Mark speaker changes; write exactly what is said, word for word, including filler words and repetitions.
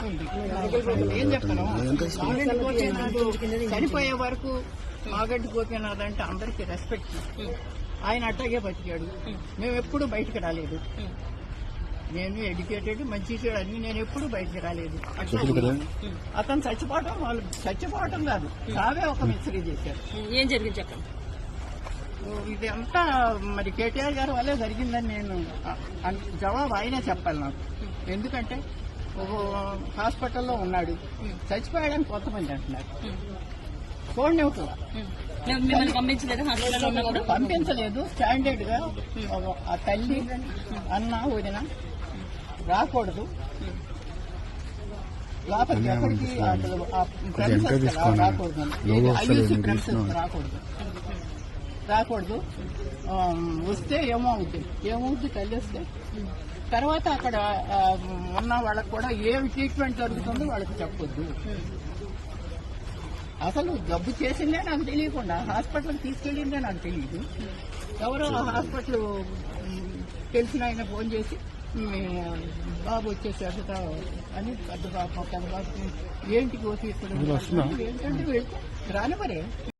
Speaker 1: ఉంది. ఏం చెప్పను, మాగంటి గోపీనాథ్ చనిపోయే వరకు మాగంటి గోపీనాథ్ అంటే అందరికీ రెస్పెక్ట్. ఆయన అట్టాగే బతికాడు. మేము ఎప్పుడు బయటకు రాలేదు. నేను ఎడ్యుకేటెడ్, మంచి చెడు అన్ని, నేను ఎప్పుడు బయటకు రాలేదు. అతను చచ్చిపోవటం, వాళ్ళు చచ్చిపోవటం కాదు, సావే ఒక మిస్టరీ చేశారు.
Speaker 2: ఏం జరిగింది చెప్పండి.
Speaker 1: ఇది అంతా మరి కేటీఆర్ గారి వల్లే జరిగిందని నేను జవాబు ఆయనే చెప్పాలి నాకు. ఎందుకంటే హాస్పిటల్లో ఉన్నాడు, చచ్చిపోయాడని కొంతమంది అంటున్నారు. చూడండి, పంపించలేదు. స్టాండర్డ్ గా ఆ తల్లి అన్న వదిన రాకూడదు లోపలికి, ఎక్కడికి రాకూడదు, ఐయూసీ ప్రెమిసెస్ రాకూడదు రాకూడదు వస్తే ఏమవుద్ది ఏమవుద్ది తల్లి వస్తే తర్వాత అక్కడ ఉన్న వాళ్ళకి కూడా ఏమి ట్రీట్మెంట్ జరుగుతుందో వాళ్ళకి చెప్పొద్దు. అసలు జబ్బు చేసిందే నాకు తెలియకుండా హాస్పిటల్కి తీసుకెళ్ళిందే నాకు తెలియదు. ఎవరో హాస్పిటల్ తెలిసిన ఆయన ఫోన్ చేసి బాబు వచ్చేసారు అని, పెద్ద బాబు పెద్ద బాబు ఏంటికి వచ్చి ఏంటంటే రాని మరే